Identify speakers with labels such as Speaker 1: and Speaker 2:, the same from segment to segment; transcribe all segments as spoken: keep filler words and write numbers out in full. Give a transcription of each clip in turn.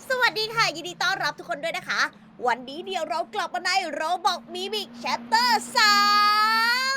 Speaker 1: สวัสดีค่ะ ยินดีต้อนรับทุกคนด้วยนะคะ วันนี้เดี๋ยวเรากลับมาในโรบอกมิมิกแชปเตอร์สาม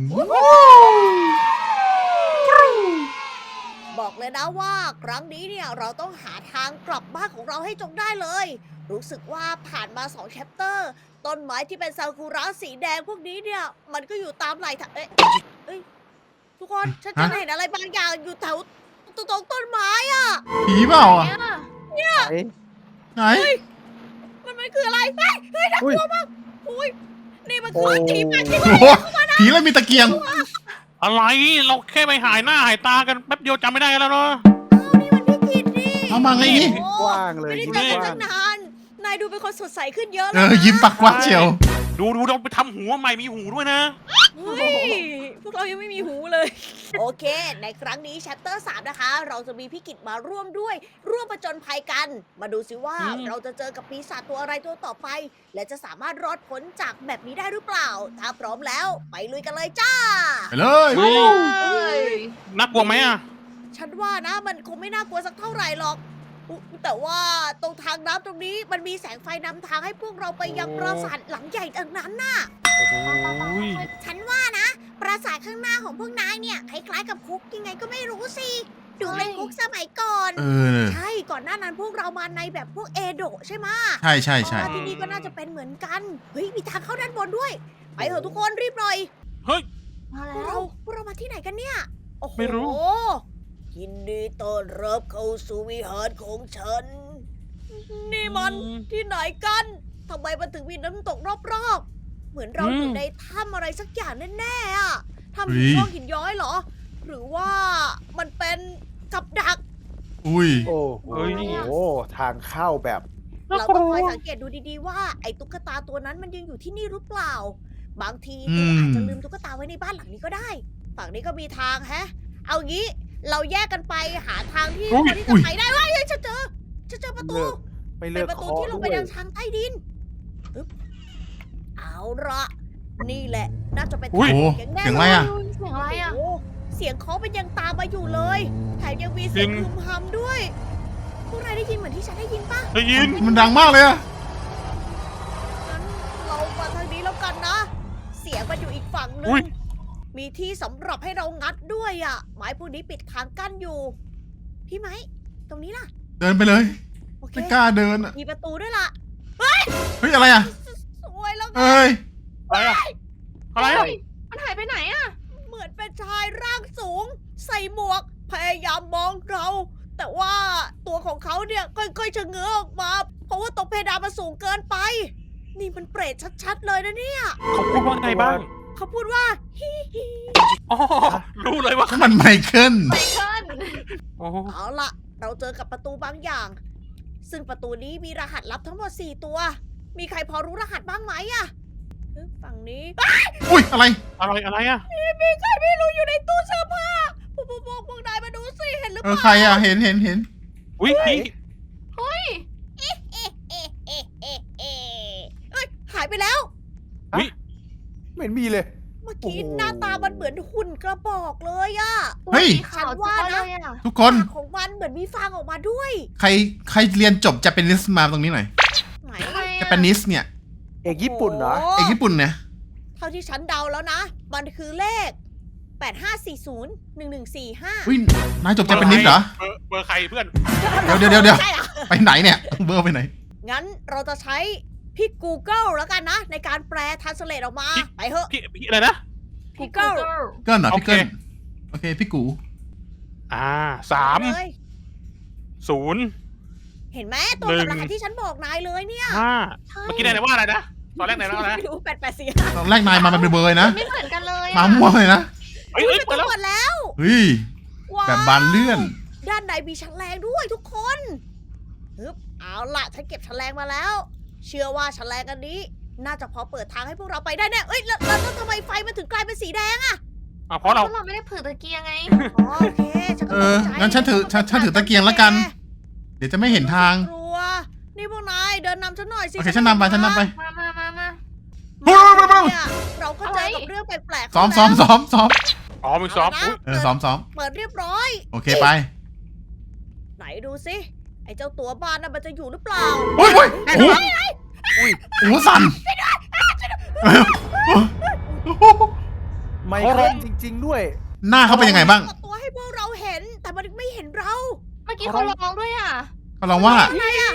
Speaker 1: บอกเลยนะว่าครั้งนี้เนี่ยเราต้องหาทางกลับบ้านของเราให้จงได้เลย รู้สึกว่าผ่านมาสองแชปเตอร์ต้นไม้ที่เป็นซากุระสีแดงพวกนี้เนี่ย มันก็อยู่ตามไหล่ทางเอ๊ะเอ้ยทุกคนฉันจะเห็นอะไรบางอย่างอยู่แถวตรงต้นไม้อะ
Speaker 2: ผีเปล่าอ่ะ
Speaker 3: เอ๊ะ
Speaker 2: ไหน
Speaker 1: มันมันคืออะไรเฮ้ยเฮ้ยน่ากลัวมากอุ้ยนี่มันคือ
Speaker 3: โอ้
Speaker 1: ผีป่าจริง
Speaker 2: โอ้โหผีเลยมีตะเกียง
Speaker 4: อะไรเราแค่ไปหายหน้าหายตากันแป๊บเดียวจำไม่ได้กันแล้วเนาะ
Speaker 1: นี่มันพี่กิตนี่
Speaker 2: เอามาไงนี่
Speaker 1: โอ้
Speaker 3: กว้างเลย
Speaker 1: ไม่ได้
Speaker 3: ยิ้ม
Speaker 1: เจอก กัน
Speaker 3: ว้า
Speaker 1: ตั้
Speaker 3: ง
Speaker 1: งนาน นายดูเป็นคนสดใสขึ้นเยอะเล
Speaker 2: เอย อ
Speaker 1: นะ
Speaker 2: ยิ้มปากกว้างเชียว
Speaker 4: ดูดูเราไปทำหัวใหม่มีหูด้วยนะ
Speaker 1: เฮ้ยพวกเรายังไม่มีหูเลย โอเค ในครั้งนี้แชปเตอร์สามนะคะ เราจะมีพี่กิตมาร่วมด้วย ร่วมประจนภัยกัน มาดูสิว่า
Speaker 4: อืม
Speaker 1: เราจะเจอกับปีศาจตัวอะไรตัวต่อไป และจะสามารถรอดพ้นจากแบบนี้ได้หรือเปล่า ถ้าพร้อมแล้วไปลุยกันเลยจ้า
Speaker 2: ไปเลย
Speaker 4: น่ากลัวไหมอ่ะ
Speaker 1: ฉันว่านะมันคงไม่น่ากลัวสักเท่าไหร่หรอกอุ๊ยแต่ว่าตรงทางน้ำตรงนี้มันมีแสงไฟนำทางให้พวกเราไปยังปราสาทหลังใหญ่ดังนั้นน่ะ
Speaker 4: โอ้โห
Speaker 1: ฉันว่านะ ปราสาทข้างหน้าของพวกนายเนี่ยคล้ายๆกับคุกยังไงก็ไม่รู้สิ ดูเป็นคุกสมัยก่อน
Speaker 2: เออ
Speaker 1: ใช่ก่อนหน้านั้นพวกเรามาในแบบพวกเอโดะใช่ไหมะ
Speaker 2: ใช่ใช่ใช่
Speaker 1: เพราะว่าที่นี่ก็น่าจะเป็นเหมือนกัน เฮ้ยมีทางเข้าด้านบนด้วย ไปเถอะทุกคนรีบหน่อย
Speaker 4: เฮ้ย
Speaker 1: พวกเราพวกเรามาที่ไหนกันเนี่ย โอ้โห
Speaker 4: ไม่รู้
Speaker 1: ยินดีต้อนรับเข้าสู่วิหารของฉัน นี่มันที่ไหนกัน ทำไมมันถึงมีน้ำตกรอบๆ เหมือนเราอยู่ในถ้ำอะไรสักอย่างแน่ๆอะถ้ำหินงอกหินย้อยเหรอ หรือว่ามันเป็นกับดัก
Speaker 2: อุ้ย
Speaker 3: โอ้โหทางเข้าแบบ
Speaker 1: เราต้องคอยสังเกตดูดีๆว่าไอ้ตุ๊กตาตัวนั้นมันยังอยู่ที่นี่หรือเปล่า บางที
Speaker 2: อื
Speaker 1: เธอ
Speaker 2: ม
Speaker 1: อาจจะลืมตุ๊กตาไว้ในบ้านหลังนี้ก็ได้ ฝั่งนี้ก็มีทางแฮะ เอางี้เราแยกกันไปหาทางที่
Speaker 4: อุ๊ย
Speaker 1: พอที่จะไปได้เว้ยเฮ้ยฉันเจอฉันเจอประตู
Speaker 3: เลิก ไม่
Speaker 1: เป็
Speaker 3: เลิ
Speaker 1: น
Speaker 3: ก
Speaker 1: ประตู
Speaker 3: เคาะ
Speaker 1: ที่ลงไป
Speaker 3: ด้ว
Speaker 1: ยั
Speaker 3: ย
Speaker 1: งทางใต้ดินอึ๊บเอาละนี่แหละ น่าจะเป็น
Speaker 4: อุ๊ย
Speaker 1: ทาง
Speaker 2: โอ้
Speaker 1: เสียงแน่
Speaker 2: เสียงอะไรอ่ะ
Speaker 5: เสียงอะไรอ่ะ
Speaker 1: โอ้เสียงเคาะมันยังตามมาอยู่เลยแถมยังมีเสียง
Speaker 4: จริง
Speaker 1: พึมพำด้วย พวกนายได้ยินเหมือนที่ฉันได้ยินปะ
Speaker 4: ได้ยิน
Speaker 2: มันดังมากเลยอ่ะ
Speaker 1: งั้นเรามาทางนี้แล้วกันนะ เสียงมันอยู่อีกฝั่งหนึ
Speaker 4: อุ๊
Speaker 1: ง
Speaker 4: ย
Speaker 1: มีที่สำหรับให้เรางัดด้วยอ่ะ ไม้พวกนี้ปิดทางกั้นอยู่ พี่ไหม ตรงนี้ล่ะ
Speaker 2: เดินไปเลย
Speaker 1: โอเค
Speaker 2: ไม่กล้าเดินอ่ะ
Speaker 1: มีประตูด้วยล่ะ
Speaker 2: เฮ้ยอะไรอ่ะ
Speaker 1: สวยแล้วไง
Speaker 2: เอ้ย
Speaker 4: อะไรอ่ะอะไรอ่ะ
Speaker 5: มันหายไปไหนอ่ะ
Speaker 1: เหมือนเป็นชายร่างสูง ใส่หมวก พยายามมองเรา แต่ว่าตัวของเขาเนี่ยค่อยๆชะเง้อออกมา เพราะว่าตรงเพดานมันสูงเกินไป นี่มันเปรตชัดๆเลยนะเนี่ย
Speaker 4: เขาพูดว่าไงบ้าง
Speaker 1: เขาพูดว่าฮิฮิ
Speaker 4: อ๋อรู้เลยว่า
Speaker 2: มันไมเคิล
Speaker 5: ไมเคิล
Speaker 4: อ๋อ
Speaker 1: เอาล่ะ เราเจอกับประตูบางอย่าง ซึ่งประตูนี้มีรหัสลับทั้งหมดสี่ตัว มีใครพอรู้รหัสบ้างไหมอะเอ๊ะฝั่งนี้
Speaker 2: อุ้ยอะไร
Speaker 4: อะไรอะไรอ่ะ
Speaker 1: มีใครไม่รู้อยู่ในตู้เสื้อผ้าพวกพวกพวกพวกนายมาดูสิเห็นหรือ
Speaker 2: เอ
Speaker 1: เป
Speaker 2: อ
Speaker 1: ล่า
Speaker 2: ใครอ่ะเห็นเห็นเห็น
Speaker 4: อุ้ยพี่
Speaker 5: เฮ้ย
Speaker 1: เอ๊ะเอ๊ะเอ๊ะเอ๊ะเอ๊ะเอ้ยหายไปแล้ว
Speaker 4: อุ้ย
Speaker 3: ไม่เห็นมีเลย
Speaker 1: เมื่อกี้
Speaker 3: โอ้โห
Speaker 1: หน้าตามันเหมือนหุ่นกระบอกเลยอะ
Speaker 2: เฮ้ย
Speaker 5: ขาว
Speaker 1: ฉันว่า
Speaker 5: ว่า
Speaker 1: นะ
Speaker 5: เลยอ่ะ
Speaker 2: ทุกคน
Speaker 1: ปากของมันเหมือนมีฟางออกมาด้วย
Speaker 2: ใครใครเรียนจบจะเป็นนิสมาตรงนี้หน่อย
Speaker 1: ไหน
Speaker 5: ทำไม
Speaker 2: จะ
Speaker 5: อ่ะ
Speaker 2: เป็นนิสเนี่ย
Speaker 3: เอกญี่ปุ่นเหรอ
Speaker 1: โโ
Speaker 2: เอกญี่ปุ่นเนี่ย
Speaker 1: เท่าที่ฉันเดาแล้วนะ มันคือเลข แปดห้าสี่ศูนย์ หนึ่งหนึ่งสี่ห้า
Speaker 2: อุ้ยนายจบจะเป็นนิสเหรอ
Speaker 4: เบอร์เบอร์ใครเพื่อน
Speaker 2: เดี๋ยวเดี๋ยวเดี๋ยวเดี๋ยว
Speaker 1: ใช่หรอ
Speaker 2: ไปไหนเนี่ยเบอร์ไปไหน
Speaker 1: งั้นเราจะใช้พี่ Google แล้วกันนะ ในการแปลทันสเลตออกมา
Speaker 4: พี่
Speaker 1: ไปเถอะ
Speaker 4: พี่พี่อะไรนะ
Speaker 1: Google
Speaker 2: เกิลเหรอพี่
Speaker 4: โอเค
Speaker 2: เกิลโอเคพี่กู
Speaker 4: อ่าสาม
Speaker 1: เลย
Speaker 4: ศูนย์
Speaker 1: เห็นไหมตรงกับ
Speaker 4: หนึ่
Speaker 1: รง หัสที่ฉันบอกนายเลยเนี่ย
Speaker 4: ห้า
Speaker 5: ใช่
Speaker 4: เมื่อกี้นายว่าอะไรนะตอนแรกนายว่าอะไรนะ
Speaker 1: ไม่รู้แปดแปดสี่ห้า
Speaker 2: ตอนแรกนายมามันเป็นเบอร์เลยนะ
Speaker 5: ไม่เหมือนกันเลย
Speaker 2: มา
Speaker 5: อ่ะ
Speaker 2: มั่วเลยนะ
Speaker 4: เฮ้ยเฮ้ย
Speaker 1: ไป
Speaker 4: เปิดแล้ว
Speaker 1: หมดแล้ว
Speaker 2: เฮ้ย
Speaker 1: ว้าว
Speaker 2: แบบบานเลื่อน
Speaker 1: ด้านในมีชั้นแรงด้วยทุกคนฮึบเอาล่ะฉันเก็บชั้นแรงมาแล้ว เชื่อว่าชั้นแรงอันนี้ น่าจะพอเปิดทางให้พวกเราไปได้แน่เอ้ยแล้วแล้วแล้วทำไมไฟมันถึงกลายเป็นสีแดงอะ
Speaker 4: อ่ะเพราะเรา
Speaker 5: เพราะเราไม่ได้ผือตะเกียงไง
Speaker 1: อ๋อโอเคฉันก็
Speaker 2: เอ
Speaker 1: ต
Speaker 2: อก
Speaker 1: ใจ
Speaker 2: งั้นฉันถือฉันฉันถือตะเกียงแล้วกัน เดี๋ยวจะไม่เห็นทาง
Speaker 1: กลัว นี่พวกนายเดินนำฉันหน่อยสิ
Speaker 2: โอเคฉันนำไปฉันนำไป
Speaker 5: มามามามา
Speaker 2: เฮ้ยเฮ้ยเฮ้ยเฮ้ย
Speaker 1: เนี่ยเราก็เจอกับเรื่องแปลกๆ
Speaker 2: ซ้อมซ้อมซ้อมซ้อม
Speaker 4: อ๋อมีซอฟต์
Speaker 1: เา
Speaker 4: อุ๊
Speaker 1: ละ
Speaker 4: ย
Speaker 2: เออซ้อมซ้อม
Speaker 1: เปิดเรียบร้อย
Speaker 2: โอเคไป
Speaker 1: ไหนดูสิไอ้เจ้าตัวบ้านน่ะมันจะอยู่หรือเปล่า
Speaker 2: โอ้ยโอ้ยโอ้โหโอ้โหสั่น
Speaker 3: ไมเคิลจริง ๆ ด้วย
Speaker 2: หน้าเขาเป็นยังไงบ้าง
Speaker 1: เปิดตัวให้พวกเราเห็น แต่มันไม่เห็นเรา
Speaker 5: เมื่อกี้เขาร้องด้วยอ่ะ
Speaker 2: เขาลองว่า
Speaker 1: อะไรอ่ะ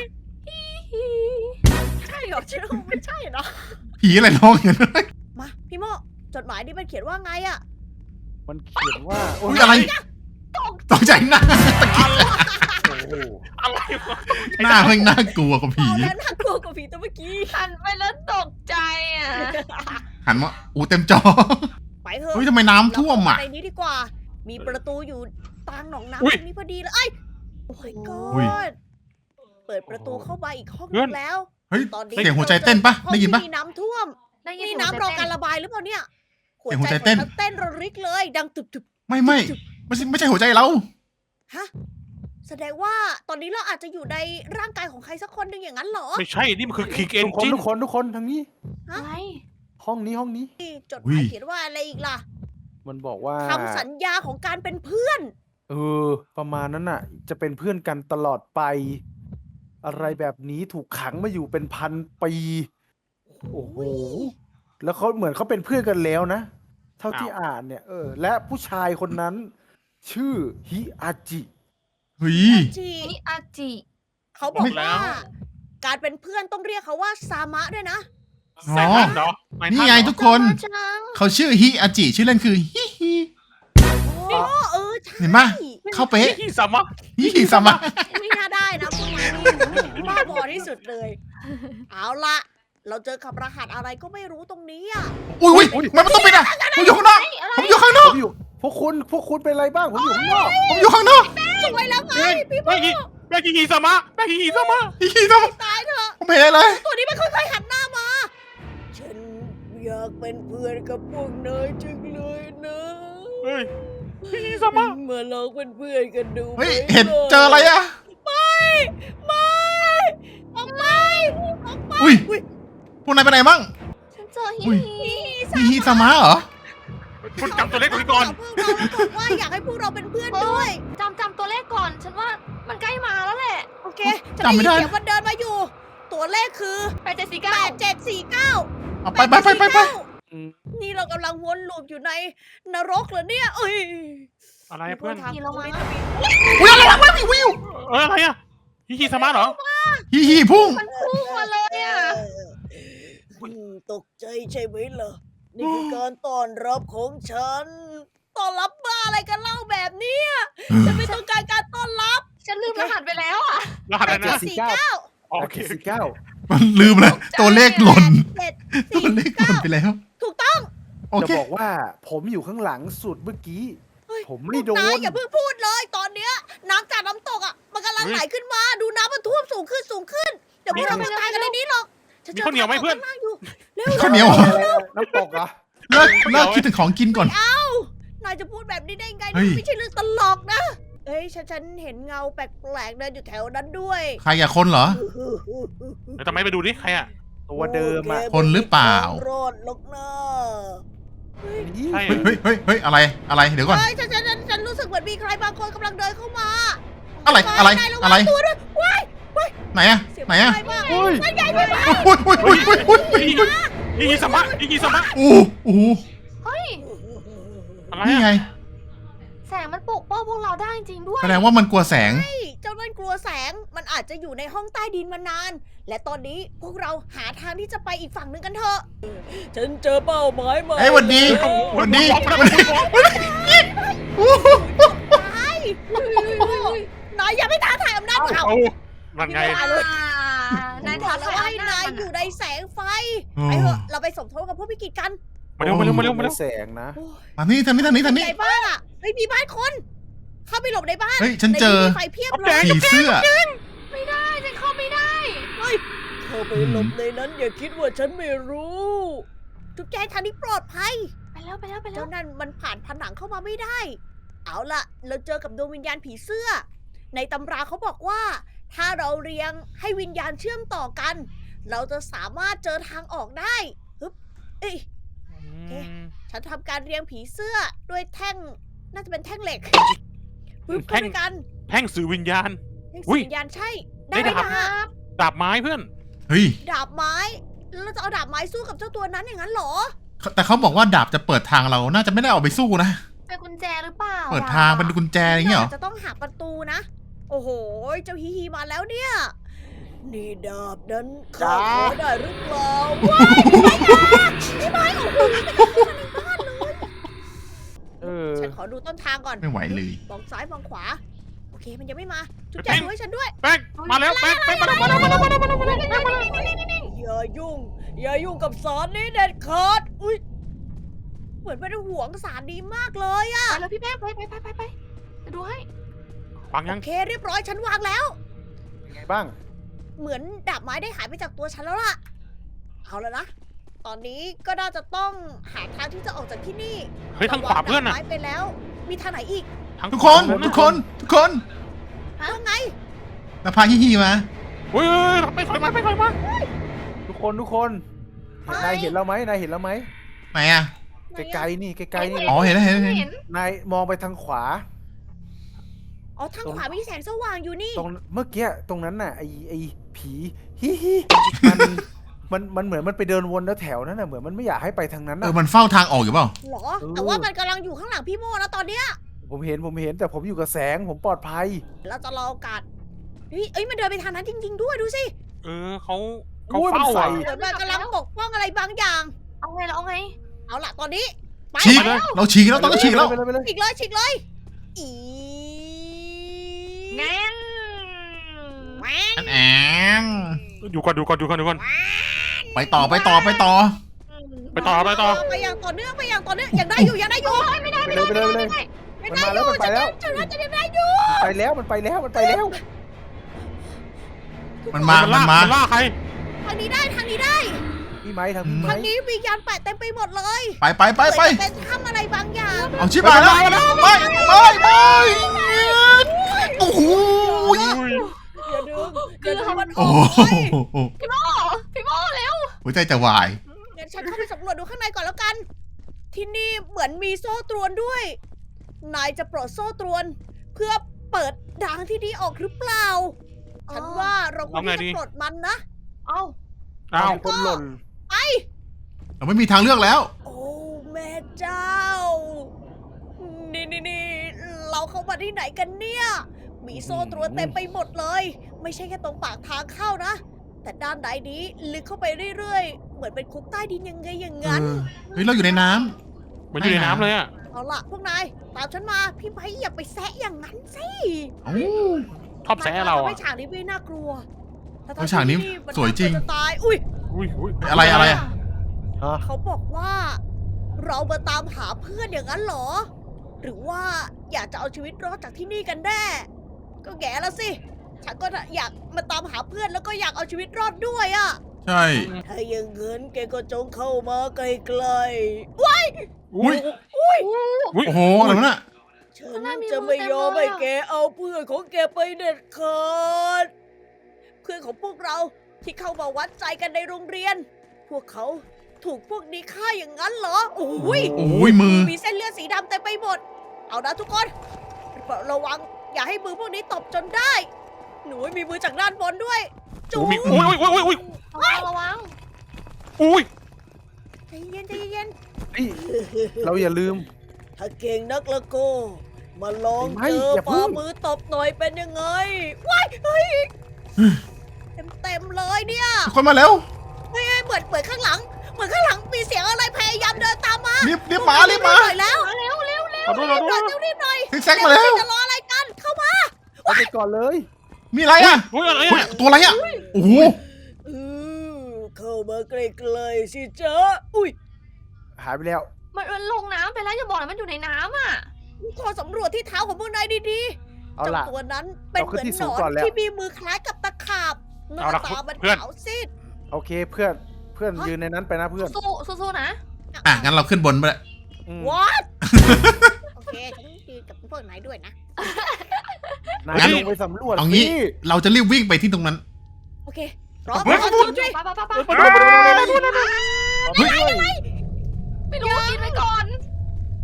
Speaker 1: ใช่เหรอฉันว่าไม่ใช่เนาะ
Speaker 2: ผีอะไรร้องอย่างนั้น
Speaker 1: มาพี่โมจดหมายนี่มันเขียนว่าไงอ่ะ
Speaker 3: มันเขียนว่าโอ้
Speaker 2: อุ้
Speaker 3: ย
Speaker 2: ยอะไรตกใจหน้า
Speaker 3: โอ้โห
Speaker 4: อะไรวะ
Speaker 2: หน้าเพิ่งน่ากลัวกว่าผี
Speaker 1: เอาแล้วน่ากลัวกว่าผีตัวเมื่อกี้
Speaker 5: หันไปแล้วตกใจอ่ะ
Speaker 2: หันมาอู้เต็มจอ
Speaker 1: ไปเถอะ
Speaker 2: เฮ้ยทำไมน้ำท่วมอ่ะ
Speaker 1: เราเข้าไปในนี้ดีกว่า มีประตูอยู่ตางหนองน้ำ
Speaker 4: อุ๊
Speaker 1: ต
Speaker 4: ย
Speaker 1: รงนี้พอดีเลยเอ้ยโอ้ยก
Speaker 2: อุ๊ย
Speaker 1: อดเปิดประตูเข้ามาอีกห้อง
Speaker 4: เพื่
Speaker 1: นึ
Speaker 4: อน
Speaker 1: งแล้ว
Speaker 2: เฮ้ย
Speaker 1: ตอนนี้
Speaker 2: เสียงหัวใจเต้นปะ
Speaker 1: ห้อง
Speaker 2: ได้ยินปะ
Speaker 1: ที่มีน้ำท่วม
Speaker 5: ได้ยิน
Speaker 1: นี่
Speaker 5: เสียง
Speaker 1: น้ำรอ
Speaker 5: เต้
Speaker 1: การระบายหรือเปล่าเนี่ย
Speaker 2: เสียงหัวใจเต้น
Speaker 1: ของฉัเต้นระริกเลย ดังตุบตุบ
Speaker 2: ไม่ไม่ไม่ใช่ไม่ใช่หัวใจเรา
Speaker 1: ฮะแสดงว่าตอนนี้เราอาจจะอยู่ในร่างกายของใครสักคนหนึ่งอย่างนั้นเหรอ
Speaker 4: ไม่ใช่ นี่มันคือคิกเอน
Speaker 3: ทุกคน
Speaker 4: จิน
Speaker 3: ทุกคนทุกคนทางนี้
Speaker 5: อะไร
Speaker 3: ห้องนี้ห้องนี้
Speaker 1: นี่จดห
Speaker 2: อุ๊
Speaker 1: มาย
Speaker 2: ย
Speaker 1: เขียนว่าอะไรอีกล่ะ
Speaker 3: มันบอกว่า
Speaker 1: คำสัญญาของการเป็นเพื่อน
Speaker 3: เออ ประมาณนั้นน่ะ จะเป็นเพื่อนกันตลอดไป อะไรแบบนี้ถูกขังมาอยู่เป็นพันปี โอ้โห แล้วเขาเหมือนเขาเป็นเพื่อนกันแล้วนะ เท่าที่อ่านเนี่ย เออ และผู้ชายคนนั้น ชื่อฮิอาจิ
Speaker 2: เฮ้ย
Speaker 1: จี
Speaker 5: นี่อาจิ
Speaker 1: เขาบอก
Speaker 2: ไม่
Speaker 1: ว่า การเป็นเพื่อนต้องเรียกเขาว่าซามะด้วยนะ
Speaker 4: แสงทันเหรอแสงทั
Speaker 2: นี่
Speaker 4: เหรอ
Speaker 2: ไงทุกคน
Speaker 5: จัง
Speaker 2: เขาชื่อฮิอาจิชื่อเล่นคือฮิฮิ
Speaker 1: โอ้เออใช่
Speaker 2: เห็นปะ เข้าเป๊ะ
Speaker 4: ที่สามะ
Speaker 2: ฮิฮิซามะ
Speaker 1: ไม่น่าได้นะพวกนายนี่บ้าบอที่สุดเลย เอาละเราเจอกับรหัสอะไรก็ไม่รู้ตรงนี้อ่ะ
Speaker 2: อุ้ยอุ้ยมันต้องปิดอ่ะผมอยู่ข้างนอกผมอยู่ข้างน
Speaker 3: ผ
Speaker 2: อก
Speaker 3: มอยู่ พวกคุณ พวกคุณเป็นอะไรบ้าง ผมอยู่ข้างนอก
Speaker 2: ผมอยู่ข้างนอก
Speaker 1: สวยแล้วไงพี่โม
Speaker 4: แม่กีแม่กีฮีสามะแม่กีฮีสามะ
Speaker 2: ฮิฮิซามะ
Speaker 1: ตายเถอะ
Speaker 2: ผมเห็นอะไรเลย
Speaker 1: ตัวนี้มันค่อยๆหันหน้ามา ฉันอยากเป็นเพื่อนกับพวกนายจังเลยนะ
Speaker 4: เฮ้ยฮีสามะ
Speaker 1: มาลองเป็นเพื่อนกันดู
Speaker 2: เฮ้ย
Speaker 1: ไหม
Speaker 2: เห็นเจออะไรอ่ะ
Speaker 1: ไม่ไม่ออกไปออกไป
Speaker 2: อุ้ย พวกนายไปไหนบ้าง
Speaker 5: ฉันเจอฮิ
Speaker 2: อุ้ย
Speaker 5: ฮิ
Speaker 2: ฮิฮิซามะเหรอ
Speaker 4: คุณจำตัวเลขของพี่ก่อน
Speaker 1: พวกเราบอกว่าอยากให้พวกเราเป็นเพื่อนด้วย
Speaker 5: จำจำตัวเลขก่อน ฉันว่ามันใกล้มาแล้วแหละ
Speaker 1: โอเค
Speaker 2: จำไม่ได้
Speaker 1: เสียงมันเดินมาอยู่ ตัวเลขคือ
Speaker 5: แปดเจ็ดสี่
Speaker 1: แป
Speaker 5: เก้า
Speaker 1: ดเจ็ดสี่เก้า
Speaker 2: เอาไปไปไปไปไป
Speaker 3: อืม
Speaker 1: นี่เรากำลังวนลูปอยู่ในนรกเหรอเนี่ย เอ้ย
Speaker 4: อะไรอะเพื่อน
Speaker 1: ทาง
Speaker 5: ขี่เรามา
Speaker 2: อุ้ยอะไรวะวิววิว
Speaker 4: เอออะไรอะฮีฮีสามะเหรอ
Speaker 2: ฮิฮิพุ่ง
Speaker 5: มันพุ่งมาเลยอ่ะ
Speaker 1: อืมตกใจใช่ไหมล่ะ นี่คือการต้อนรับของฉัน ต้อนรับบ้าอะไรกันเล่าแบบเนี้ยฉันไม่ต้องการการต้อนรับ
Speaker 5: ฉันลืมรหัสไปแล้วอ่ะ
Speaker 4: รหัสอะไร
Speaker 1: เจ็ด
Speaker 4: นะ
Speaker 1: สี่เก้า
Speaker 4: อ๋อ
Speaker 3: แป
Speaker 4: โอ
Speaker 3: ด
Speaker 4: เค
Speaker 3: เจ็ดสี่เก้า
Speaker 2: มันลืมเลยตัวเลขหล่น
Speaker 1: เจ็ด
Speaker 2: ตัว
Speaker 1: สี่
Speaker 2: เลขหล่นไปแล้ว
Speaker 1: ถูกต้อง
Speaker 2: โอ
Speaker 3: จะ
Speaker 2: เค
Speaker 3: บอกว่าผมอยู่ข้างหลังสุดเมื่อกี้
Speaker 1: เฮ้ย
Speaker 3: ผมไม่โด
Speaker 1: นาย
Speaker 3: น
Speaker 1: อย่าเพิ่งพูดเลย ตอนเนี้ยน้ำจากน้ำตกอ่ะ มันกำลังไหลขึ้นมา ดูน้ำมันท่วมสูงขึ้นสูงขึ้น เดี๋ยวพวกเราจะตายกันในนี้หรอกฉัจ
Speaker 4: มีข้าวเหนียวไหมเพื่อน
Speaker 1: ทางอยู่เร็ว
Speaker 2: ข้าวเหนียวเหรอ
Speaker 3: อะไรอะน้ำตกเหรอ
Speaker 2: เลิกเลิกคิดถึงของกินก่อน
Speaker 1: นายจะพูดแบบนี้ได้ไง
Speaker 2: เฮ้ย
Speaker 1: นี่ไม่ใช่เรื่องตลกนะ เอ้ยฉันฉันเห็นเงาแปลกๆเดินอยู่แถวนั้นด้วย
Speaker 2: ใครอยากคนเหรอ
Speaker 4: แล้วทำไมไปดูดิใครอะ
Speaker 3: ตัวเดิมอะ
Speaker 2: คนหรือเปล่า
Speaker 1: รอดหรอกนะ
Speaker 3: นี่
Speaker 4: ใช่
Speaker 2: เฮ้ยเฮ้ยเฮ้ยเฮ้ยอะไรอะไรเดี๋ยวก่อน
Speaker 1: เฮ้ยฉันฉันฉันฉันรู้สึกเหมือนมีใครบางคนกำลังเดินเข้ามา
Speaker 2: อะไรอะไร
Speaker 1: นายวัง
Speaker 2: อะไร
Speaker 1: ตัวด้วยว้าย
Speaker 2: ไหนอะ
Speaker 1: เสียง
Speaker 2: ไหนอะ
Speaker 1: ไกลมาก
Speaker 3: อุ้ย
Speaker 1: มันใหญ่ไปมาก
Speaker 2: อุ้ยอุ้ยอุ้ยอุ้ยอุ้ยอุ้ย
Speaker 4: ฮีฮีสามะฮีฮีสามะ
Speaker 2: โอ้โห
Speaker 5: เฮ้ย
Speaker 4: อะไร
Speaker 2: นี่
Speaker 4: อะ
Speaker 2: ไง
Speaker 5: แสงมันปกป้องพวกเราได้จริงๆด้วย
Speaker 2: แสดงว่ามันกลัวแสง
Speaker 1: เฮ้ยเจ้านั่นกลัวแสง มันอาจจะอยู่ในห้องใต้ดินมานาน และตอนนี้พวกเราหาทางที่จะไปอีกฝั่งหนึ่งกันเถอะ ฉันเจอเป้าหมายมา
Speaker 2: เอ้ยหวันดีหวันดีหวันดีโอ้โห
Speaker 1: ตายนายอย่าไปท้าทายอำนาจเขา
Speaker 4: เอานั่นไง
Speaker 5: อ่านาย
Speaker 1: บ
Speaker 5: ท้า
Speaker 1: อกแล้ว
Speaker 5: ทาย
Speaker 1: ว่าให้
Speaker 5: อำ
Speaker 1: นาย
Speaker 5: จ
Speaker 1: อยู่ในแสงไฟ
Speaker 2: อืม
Speaker 1: ไปเถอะ เราไปสมทบกับพวกพิกิจกัน
Speaker 4: มาเร็วมาเร็วมาเร็วมาเร็ว
Speaker 3: แสงนะ
Speaker 2: มานี่ทางนี้ทางนี้ทางนี้
Speaker 1: ไหนบ้านอ่ะเฮ้ยมีบ้านคน เข้าไปหลบในบ้าน
Speaker 2: เฮ้ยฉันเจอ
Speaker 1: ใมีไฟเพียบเลย
Speaker 2: ผีเสื้อ
Speaker 5: ไม่ได้ฉันเข้าไม่ได้
Speaker 1: เข้าไปหลบในนั้นอย่าคิดว่าฉันไม่รู้ ทุกแจงทางนี้ปลอดภัย
Speaker 5: ไปแล้วไปแล้วไปแล้
Speaker 1: เจ้าว นั่นมันผ่านผนังเข้ามาไม่ได้ เอาล่ะ เราเจอกับดวงวิญญาณผีเสื้อ ในตำราเขาบอกว่า ถ้าเราเรียงให้วิญญาณเชื่อมต่อกัน เราจะสามารถเจอทางออกได้ฮึบเอ้ย ฉันทำการเรียงผีเสื้อด้วยแท่ง น่าจะเป็นแท่งเหล็กปึ๊บเข้าไปกัน
Speaker 4: แท่งสื่อวิญญาณอุ๊ย
Speaker 1: สัญญาณใช่
Speaker 4: ได้
Speaker 1: ได้
Speaker 4: ดาบ
Speaker 1: ดาบ
Speaker 4: ดาบไม้เพื่อน
Speaker 2: เฮ้ย
Speaker 1: ดาบไม้ แล้วเราจะเอาดาบไม้สู้กับเจ้าตัวนั้นอย่างนั้นเหรอ
Speaker 2: แต่เขาบอกว่าดาบจะเปิดทางเรา น่าจะไม่ได้เอาไปสู้นะ
Speaker 5: เป็นกุญแจหรือเปล่า
Speaker 2: เปิดทางเป็นกุญแจอย่างเงี้ยเหรอ
Speaker 1: าจะต้องหาประตูนะ โอ้โห เจ้าฮีฮีมาแล้วเนี่ย นี่ดาบนั้นข้าขอได้หรือเปล่าว้ายพี่ไม้โอ้โหนี่เป็นคนในบ้านเลย
Speaker 3: เออ
Speaker 1: ฉันขอดูต้นทางก่อน
Speaker 2: ไม่ไหวเลย
Speaker 1: มองซ้ายมองขวา โอเคมันยังไม่มา จุด
Speaker 4: แป้
Speaker 1: แจ
Speaker 4: ง
Speaker 1: ดูให้ฉันด้วย
Speaker 4: แป้งมาแล้วแป้งแป้งมาแล้วมาแล้วมาแล้วมาแล้วมาแล้วมาแล้วมาแล้ว
Speaker 1: อย่ายุ่ง อย่ายุ่งกับสารนี้เด็ดขาด อุ้ย เหมือนเป็นห่วงสารนี้มากเลยอะ
Speaker 5: ไปแล้วพี่แป้งไปไปไปไปไปจะดูให้
Speaker 4: ฟังยั
Speaker 1: โอง เคเรียบร้อยฉันวางแล้ว
Speaker 3: ยังไงบ้าง
Speaker 1: เหมือนดาบไม้ได้หายไปจากตัวฉันแล้วล่ะ เอาแล้วนะ ตอนนี้ก็น่าจะต้องหาทางที่จะออกจากที่นี่
Speaker 4: เฮ้ยทางขวาเพื่อน
Speaker 1: ดาบ
Speaker 4: อ่ะ
Speaker 1: ไม้ไปแล้ว มีทางไหนอีก
Speaker 4: ทาง
Speaker 2: ทุกคน
Speaker 4: ขวา
Speaker 2: ทุกคน ทุกคน
Speaker 1: ว่าไง
Speaker 2: แล้วพาฮิฮิมา
Speaker 4: เฮ้ยไปถอยมาไปถอยมา
Speaker 3: ทุกคนทุกคนนายเห็นเราไหมนายเห็นเราไหม
Speaker 2: ไหนอะ
Speaker 3: ไกลๆนี่ไกลๆนี่
Speaker 2: อ๋อเห็นแล้วเห็นแล้วเห็น
Speaker 5: เห็น
Speaker 3: นายมองไปทางขวา
Speaker 1: อ๋อ ทางขวามีแสงสว่างอยู่นี่
Speaker 3: ตรงเมื่อกี้ตรงนั้นน่ะไอไอผีฮิฮิมันมันมันเหมือนมันไปเดินวนแล้วแถวนั้นน่ะเหมือนมันไม่อยากให้ไปทางนั้น
Speaker 2: เออ
Speaker 3: น่ะ
Speaker 2: มันเฝ้าทางออกอยู่เปล่า
Speaker 1: หรอ
Speaker 3: เออ
Speaker 1: แต่ว่ามันกำลังอยู่ข้างหลังพี่โมแล้วตอนเนี้ย
Speaker 3: ผมเห็นผมเห็นแต่ผมอยู่กับแสงผมปลอดภัย
Speaker 1: เราจะรอโอกาสเฮ้ยเอ้ย มันเดินไปทางนั้นจริง ๆ ด้วยดูสิ
Speaker 4: เออเขาเขา
Speaker 3: อุ้ยมัน
Speaker 4: เฝ้า
Speaker 3: ใส่
Speaker 4: อ่ะ
Speaker 1: เหมือนมันกำลังปกป้องอะไรบางอย่าง
Speaker 5: เอาไงเราเอาไง
Speaker 1: เอาล่ะตอนนี้ ไป
Speaker 2: ฉีก
Speaker 1: แล้ว
Speaker 2: เราฉีกแล้วต้องฉีกแล้ว
Speaker 3: ไปเลยไปเลย
Speaker 1: ฉีกเลยฉีกเลย อี
Speaker 5: งั้น
Speaker 1: แหวน
Speaker 2: อันแอน
Speaker 4: อยู่ก่อนดูก่อนดูก่อนดูก่อน
Speaker 2: ไปต่อไปต่อไปต่อ
Speaker 4: ไปต่อไปต่อ
Speaker 1: ไปอย่างต่อเนื่องไปอย่างต่อเนื่องยังได้อยู่ยังได้อยู่
Speaker 5: ไม่ได้
Speaker 3: ไป
Speaker 5: ไม่
Speaker 3: เล
Speaker 5: ได้
Speaker 3: ยไปเลยไปเลย
Speaker 1: ยัง
Speaker 3: มัน
Speaker 1: ได้
Speaker 3: มา
Speaker 1: อ
Speaker 3: แล้ว
Speaker 1: ยู่
Speaker 3: มันไปแล้ว
Speaker 1: ฉันว่าจะยังได้อยู่
Speaker 3: ไปแล้วมันไปแล้วมันไปแล้ว
Speaker 2: มันมา มันมา
Speaker 4: ล่าใคร
Speaker 1: ทางนี้ได้ทางนี้ได้
Speaker 3: พี่ไม้ทางพี่ไม้
Speaker 1: ทางนี้วิญญาณแปะเต็มไปหมดเลย
Speaker 2: ไปไปไปไป
Speaker 1: เหมือนจะเป็นถ้ำอะไรบางอย่าง
Speaker 2: เอาชิบหายแล้วไปไปไปโอ้โห
Speaker 4: อุ้ย
Speaker 1: อย่าดึงอย่าดึงมันอ
Speaker 2: โอ้
Speaker 1: อก
Speaker 2: โห
Speaker 1: ไป
Speaker 5: พี่โมพี่โมเร็ว
Speaker 2: หัวใจจะวาย
Speaker 1: งั้นฉันเข้าไปสำรวจดูข้างในก่อนแล้วกัน ที่นี่เหมือนมีโซ่ตรวนด้วย นายจะปลดโซ่ตรวน เพื่อเปิดทางที่นี้ออกหรือเปล่า ฉันว่าเราควรที่จะปลดมันนะ
Speaker 5: เอา
Speaker 4: อ้าว
Speaker 3: มีคนหล่น
Speaker 2: เราไม่มีทางเลือกแล้ว
Speaker 1: โอ้แม่เจ้า นี่นี่นี่เราเข้ามาที่ไหนกันเนี่ย มีโซ่ตรวนเต็มไปหมดเลย ไม่ใช่แค่ตรงปากทางเข้านะ แต่ด้านใดนี้ลึกเข้าไปเรื่อยๆ เหมือนเป็นคุกใต้ดินยังไงอย่าง
Speaker 2: เอ
Speaker 1: นั้น
Speaker 2: อ เฮ้ย เราอยู่ในน้
Speaker 4: เหมันอยู่ในน้ำเลยอ่ะ
Speaker 1: เอาล่ะพวกนาย ตามฉันมา พี่ไม้อย่าไปแซะอย่างนั้นสิ
Speaker 2: ำเอ้า
Speaker 4: ชอบแซะเรา
Speaker 1: ทำ
Speaker 4: อ่ะ
Speaker 1: ให้ฉากนี้ไม่น่ากลัวแต่
Speaker 2: โอ้ยฉากนี้
Speaker 1: ที่มั
Speaker 2: สวยจริง
Speaker 1: น่ากลัจะตาย อุ้ย
Speaker 4: อุ้ยอุ้ย
Speaker 2: อะไรอะไรอะ
Speaker 3: ฮะ
Speaker 1: เขาบอกว่า เรามาตามหาเพื่อนอย่างนั้นเหรอ หรือว่าอยากจะเอาชีวิตรอดจากที่นี่กันแน่ ก็แง่ละสิ ฉันก็อยากมาตามหาเพื่อนแล้วก็อยากเอาชีวิตรอดด้วยอะ
Speaker 2: ใช่
Speaker 1: ถ้าอย่างเงินแกก็จงเข้ามาใกล้ๆว้าย
Speaker 2: อุ้ย
Speaker 4: อุ้ย
Speaker 2: โอ้โห อะไรวะน่ะ
Speaker 1: ฉันจะไม่ยอมให้แกเอาเพื่อนของแกไปเด็ดขาด เพื่อนของพวกเราที่เข้ามาวัดใจกันในโรงเรียน พวกเขาถูกพวกนี้ฆ่าอย่างนั้นเหรอ โอ้ย
Speaker 2: โอ้ยมือ
Speaker 1: มีเส้นเลือดสีดำเต็มไปหมด เอานะทุกคนระวังอย่าให้มือพวกนี้ตบจนได้ หนูให้มีมือจากด้านบนด้วยจู
Speaker 4: มีอุ้ยอุ้ยอุ้ยอุ้ย
Speaker 5: ระวังระวัง
Speaker 4: อุ้ย
Speaker 1: ใจเย็นใจเย็น
Speaker 3: เฮ้ยเราอย่าลืม
Speaker 1: ถ้าเก่งนักละโก็มาลอง
Speaker 3: ไม่
Speaker 1: เจอ
Speaker 3: อย่าพึ่
Speaker 1: ฝ่าง มือตบหน่อยเป็นยังไงว้ายเฮ้ยเต็มเต็มๆเลยเนี่ย
Speaker 2: ทุกคนมาแล้ว
Speaker 1: เฮ้ยเฮ้ยเหมือนเหมือนข้างหลัง เหมือนข้างหลังมีเสียงอะไรพยายามเดินตามมา
Speaker 2: รีบรีบมา รีบมา
Speaker 1: หน่อยแล้ว
Speaker 5: เร็วเร็วเร็ว
Speaker 4: ขอโทษขอโท
Speaker 1: หน่อย
Speaker 4: ษ
Speaker 1: เร็วรีบหน่อย
Speaker 2: ซิกแซกมาแล้ว
Speaker 1: จะรออะไรกันเข้ามา
Speaker 3: เอาไปก่อนเลย
Speaker 2: มีอะไรอ่ะ
Speaker 4: อุ้ยอะไร
Speaker 2: เฮ้ย
Speaker 4: อ่ะ
Speaker 2: ตัวอะไรอ่ะ โอ้โห
Speaker 1: อือเข้ามาใกล้ๆสิจ๊ะอุ้ย
Speaker 3: หายไปแล้ว
Speaker 5: มันมันลงน้ำไปแล้วอย่าบอกนะมันอยู่ในน้ำอ่ะ
Speaker 1: ขอสำรวจที่เท้าของพวกนายดีๆ
Speaker 3: เอา
Speaker 1: เจ้า
Speaker 3: ล่ะ
Speaker 1: ตัวนั้นเป็นเหมือน
Speaker 3: เราขึ้นที่
Speaker 1: ห
Speaker 3: สู
Speaker 1: น
Speaker 3: ง
Speaker 1: อ
Speaker 3: ก่อน
Speaker 1: น
Speaker 3: แล้ว
Speaker 1: ที่มีมือคล้ายกับตะขาบหน้าตามันขาวซีด
Speaker 3: โอเคเพื่อนเพื่อนยืนในนั้นไปนะเพื่อน
Speaker 5: สู้สู้สู้นะ
Speaker 2: อ่ะ งั้นเราขึ้นบนไปเลย
Speaker 3: อืม
Speaker 1: what โอเคฉันยืนกับพวกนายด้วยนะ
Speaker 3: นาย
Speaker 2: งั้น
Speaker 3: ลงไปสำรวจ
Speaker 2: เอางี้
Speaker 3: สิ
Speaker 2: เราจะรีบวิ่งไปที่ตรงนั้น
Speaker 1: โอเครอ
Speaker 4: เฮ้ย
Speaker 1: รอ
Speaker 4: เฮ้ย
Speaker 1: จริงด้วย
Speaker 5: ไปไปไปไป
Speaker 3: ไปด้วยไปด้วยไปด้วย
Speaker 2: เฮ้ย
Speaker 5: ไม่รู้กินไปก่อน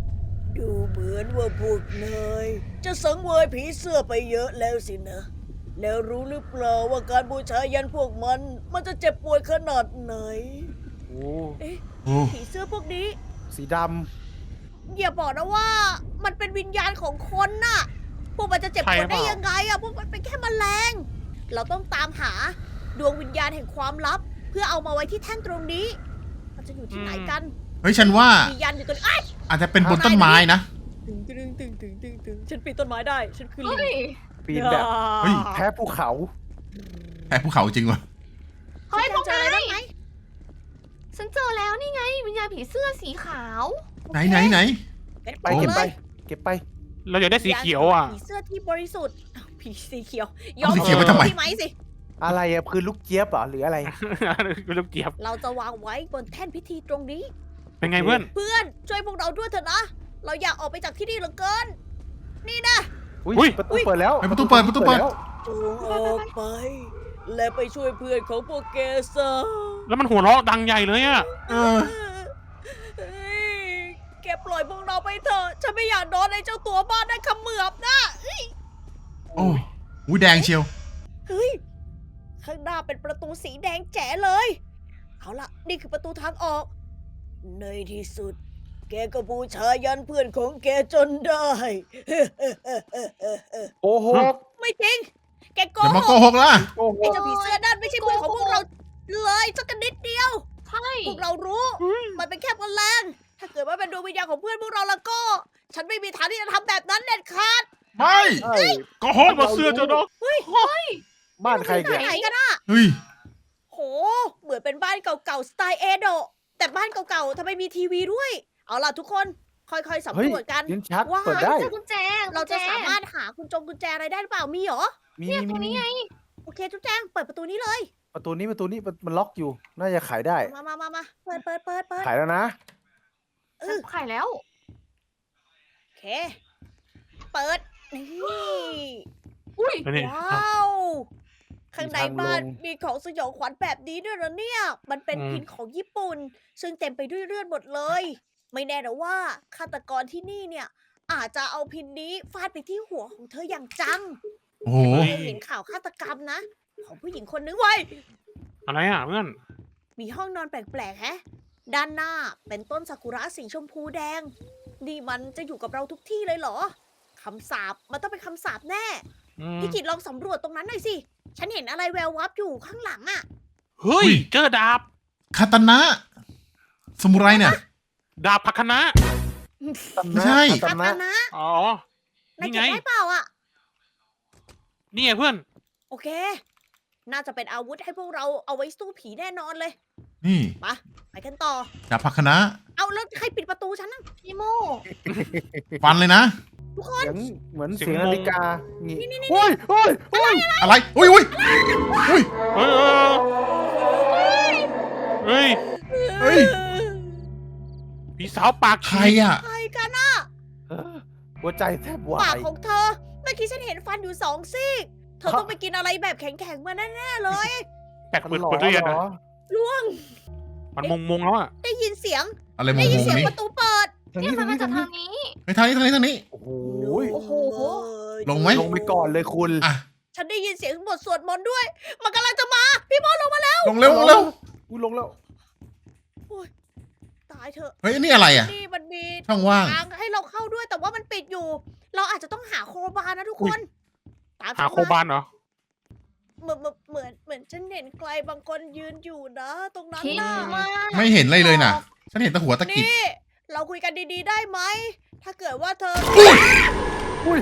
Speaker 1: ดูเหมือนว่าพวกนายจะสังเวยผีเสื้อไปเยอะแล้วสินะแล้วรู้หรือเปล่าว่าการบูชายันพวกมัน มันจะเจ็บปวดขนาดไหน
Speaker 3: โอ้
Speaker 1: เอ๊ะ
Speaker 2: โอ้
Speaker 1: ผีเสื้อพวกนี้
Speaker 3: สีด
Speaker 1: อย่าบอกนะว่ามันเป็นวิญญาณของคนน่ะ พวกมันจะเจ็บปวดได้ยังไงอะพวกมันเป็นแค่แมลง เราต้องตามหาดวงวิญญาณแห่งความลับ เพื่อเอามาไว้ที่แท่นตรงนี้ มันจะอยู่ที่ไหนกัน
Speaker 2: เฮ้ยฉันว่า
Speaker 1: มียันอยู่ตรงนี้อ้าย
Speaker 2: อาจจะเป็นบนต้นไม้นะ
Speaker 1: ตึงตึงตึงตึงตึงตึงฉันปีนต้นไม้ได้ ฉันคือลิ
Speaker 5: เฮ้
Speaker 1: ง
Speaker 5: ย
Speaker 3: ำปีนแบบ
Speaker 2: เฮ้ย
Speaker 3: แพ้ภูเขา
Speaker 2: แพ้ภูเขาจริงวะ
Speaker 5: เฮ้ยพวก
Speaker 1: เจออะไร
Speaker 5: นา
Speaker 1: บ้าย งไหม
Speaker 5: ฉันเจอแล้วนี่ไงวิญญาณผีเสื้อสีขาว
Speaker 2: ไหนไหนไหน
Speaker 3: ไปเก็บไป เก็บไป
Speaker 4: เราอยากได้สีเขียวอ่ะ
Speaker 1: ผีเสื้อที่บริสุทธิ์อ้าวผีสีเขียว
Speaker 2: เอาสีเขียวไปทำไม
Speaker 1: พี่ไหมสิ
Speaker 3: อะไรอะคือลูกเจี๊ยบเหรอหรืออะไร
Speaker 4: ลูกเจี๊ยบ
Speaker 1: เราจะวางไว้บนแท่นพิธีตรงนี้
Speaker 4: เป็นไงเพื่อน
Speaker 1: เพื่อนช่วยพวกเราด้วยเถอะนะ เราอยากออกไปจากที่นี่เหลือเกิน นี่นะ
Speaker 3: อุ้ย
Speaker 4: อุ๊ย
Speaker 3: ประตูเปิดแล้ว
Speaker 2: เฮ้ยประตูเปิดประตูเปิด
Speaker 3: แล้ว
Speaker 1: จงออกไป และไปช่วยเพื่อนของพวกแกซะ
Speaker 4: แล้วมันหัวเราะดังใหญ่เลยอ่ะ
Speaker 2: เออ
Speaker 1: เฮ้ยแกปล่อยพวกเราไปเถอะ ฉันไม่อยากโดนไอ้เจ้าตัวบ้านนั่นเขมือบนะ
Speaker 2: โอ้อุ้ยแดงเชียว
Speaker 1: เฮ้ย ข้างหน้าเป็นประตูสีแดงแจ๋เลย เอาล่ะ นี่คือประตูทางออก ในที่สุด แกก็บูชายันเพื่อนของแกจนได้
Speaker 3: โอ้โห
Speaker 1: ไม่จริง แกโก
Speaker 2: อย่ามา
Speaker 1: ห
Speaker 2: โก
Speaker 1: ก
Speaker 2: หกล่ะ
Speaker 3: โอ้โห
Speaker 1: ไอ้เจ้าผีเสื้อนั่นไม่ใช่เพื่อนของพวกเราเลยสักนิดเดียว
Speaker 5: ใช่
Speaker 1: พวกเรารู้ มันเป็นแค่แมลงถ้าเกิดว่าเป็นดวงวิญญาณของเพื่อนพวกเราแล้วก็ ฉันไม่มีทางที่จะทำแบบนั้นเด็ดขาด
Speaker 2: ไม่
Speaker 3: เฮ้ย
Speaker 2: โกหก
Speaker 4: มาเสื้อเจ้าดอก
Speaker 3: บ้านใคร
Speaker 1: ที่
Speaker 3: เนี่ย
Speaker 1: ไหนกันอะ
Speaker 2: เฮ้ย
Speaker 1: โห เหมือนเป็นบ้านเก่าๆสไตล์เอโดะแต่บ้านเก่าๆทำไมมีทีวีด้วย เอาล่ะทุกคน ค่อยๆสำ
Speaker 3: เฮ้ย
Speaker 1: รวจกัน
Speaker 3: ลิ้นชัก
Speaker 1: ว่า
Speaker 3: เปิดได้
Speaker 5: เจอกุญแจ
Speaker 1: เราจะ
Speaker 5: กุญแจ
Speaker 1: สามารถหาคุณจงกุญแจอะไรได้หรือเปล่า มีเหรอ
Speaker 3: มี
Speaker 5: เนี่ย
Speaker 3: มี
Speaker 5: ตรง
Speaker 3: มี
Speaker 5: นี้ไง
Speaker 1: โอเคจุ๊บแจงเปิดประตูนี้เลย
Speaker 3: ประตูนี้ประตูนี้มันมันล็อกอยู่ น่าจะขายได้
Speaker 1: มามามามาเปิดเปิดเปิดเปิด
Speaker 3: ขายแล้วนะ
Speaker 1: เอ
Speaker 5: ฉัน
Speaker 1: อ
Speaker 5: ขายแล้ว
Speaker 1: โอเค เปิด นี่
Speaker 5: อุ้ย
Speaker 4: นี่
Speaker 1: ว้าว ข้างในบ้าน
Speaker 3: มีทางลง
Speaker 1: มีของสยองขวัญแบบนี้ด้วยเหรอเนี่ย มันเป็น
Speaker 4: อืม
Speaker 1: พินของญี่ปุ่น ซึ่งเต็มไปด้วยเลือดหมดเลย ไม่แน่นะว่าฆาตกรที่นี่เนี่ย อาจจะเอาพินนี้ฟาดไปที่หัวของเธออย่างจัง
Speaker 2: โอ้โห
Speaker 1: เคยเห็นข่าวฆาตกรรมนะ ของผู้หญิงคนนึงไว้ย
Speaker 4: อะไรอ่ะเพื่อน
Speaker 1: มีห้องนอนแปลกๆแฮะ ด้านหน้าเป็นต้นซากุระสีชมพูแดง นี่มันจะอยู่กับเราทุกที่เลยเหรอคำสาปมันต้องเป็นคำสาปแน่
Speaker 4: อืม
Speaker 1: พี่กิตลองสำรวจตรงนั้นหน่อยสิ ฉันเห็นอะไรแวววับอยู่ข้างหลังอะ
Speaker 4: เฮ้ย เจอดาบ
Speaker 2: คาตานะสมุไรเนี่ย
Speaker 4: ดาบพักคณะ
Speaker 2: ไม่ใช่
Speaker 3: ตา
Speaker 1: คา
Speaker 3: นะ
Speaker 1: ตานะ
Speaker 4: อ๋อ
Speaker 1: นาย
Speaker 4: นี่
Speaker 1: เก็
Speaker 4: ไง
Speaker 1: บได้เปล่าอะ
Speaker 4: นี่ไงเพื่อน
Speaker 1: โอเค น่าจะเป็นอาวุธให้พวกเราเอาไว้สู้ผีแน่นอนเลย
Speaker 2: นี่
Speaker 1: ไปไปกันต่อ
Speaker 2: ดาบพักคณะ
Speaker 1: เอาแล้วใครปิดประตูฉันนะ
Speaker 5: พี่โม
Speaker 2: ฟันเลยนะ
Speaker 1: ทุกคน
Speaker 3: เสียงเหมือน
Speaker 4: เสียง
Speaker 3: เสียง
Speaker 4: งง
Speaker 3: นาฬิกางี้โอ้ยโอ้ยโอ้ย
Speaker 2: อะไร อุ้ยอุ้ยอุ้ย
Speaker 4: เฮ้ยเฮ้ย
Speaker 2: เฮ้ย
Speaker 4: พี่สาวปาก
Speaker 2: ใคร
Speaker 4: ฉีก
Speaker 2: อ่ะ
Speaker 1: ใครกันอะ
Speaker 3: หัวใจแทบวา
Speaker 1: ปาก
Speaker 3: ย
Speaker 1: ของเธอ เมื่อกี้ฉันเห็นฟันอยู่สองซี่ เธอต้องไปกินอะไรแบบแข็งๆมาแน่ๆเลย
Speaker 4: แปลก
Speaker 3: มัน
Speaker 4: เปิด
Speaker 3: หลอ
Speaker 4: เปิดตู้เย็น
Speaker 3: เหร
Speaker 4: นะ
Speaker 3: อ
Speaker 1: ล่วง
Speaker 4: มันมงมงแล้วอ่ะ
Speaker 1: ได้ยินเสียง
Speaker 2: อะไรม
Speaker 1: ได้
Speaker 2: ง
Speaker 1: ยิน
Speaker 2: ง
Speaker 1: เสียง
Speaker 2: นี้
Speaker 1: ประตูเปิด
Speaker 3: ทาง
Speaker 5: เนี่ย
Speaker 3: นี้
Speaker 5: มั
Speaker 3: ทาน ง
Speaker 5: มา
Speaker 3: นี้
Speaker 5: จาก
Speaker 3: ทาง
Speaker 5: ทา
Speaker 3: นี้
Speaker 5: งนี้
Speaker 2: ไปทางนี้ทางนี้ทางนี้
Speaker 3: โอ้โห
Speaker 1: โอ้โห
Speaker 2: ลงไหม
Speaker 3: ลงไปก่อนเลยคุณ
Speaker 2: อ่ะ
Speaker 1: ฉันได้ยินเสียงบทสวดมนต์ด้วย มันกำลังจะมา พี่บอลลงมาแล้ว
Speaker 2: ลงเร็วลงเร็ว
Speaker 3: อุ้ยลงแล้ว
Speaker 1: ตายเถอะ
Speaker 2: เฮ้ยอันนี่อะไรอ่ะ
Speaker 1: นี่มันมี
Speaker 2: ช่องว่าง
Speaker 1: ทางให้เราเข้าด้วย แต่ว่ามันปิดอยู่ เราอาจจะต้องหาโครบาร์นะทุกคน ตาม
Speaker 4: หา
Speaker 1: ฉัน
Speaker 4: โคบานเหรอ
Speaker 1: เหมือนเหมือนเหมือนฉันเห็นใครบางคนยืนอยู่นะ ตรงนั้น
Speaker 5: คิด
Speaker 1: น่ะ
Speaker 5: มาก
Speaker 2: ไม่เห็นอะไรเลยน่ะ ฉันเห็นแต่หัวตะกิด
Speaker 1: นี่ เราคุยกันดีๆได้ไหม ถ้าเกิดว่าเธอ
Speaker 2: อุ้ย
Speaker 3: อุ้ย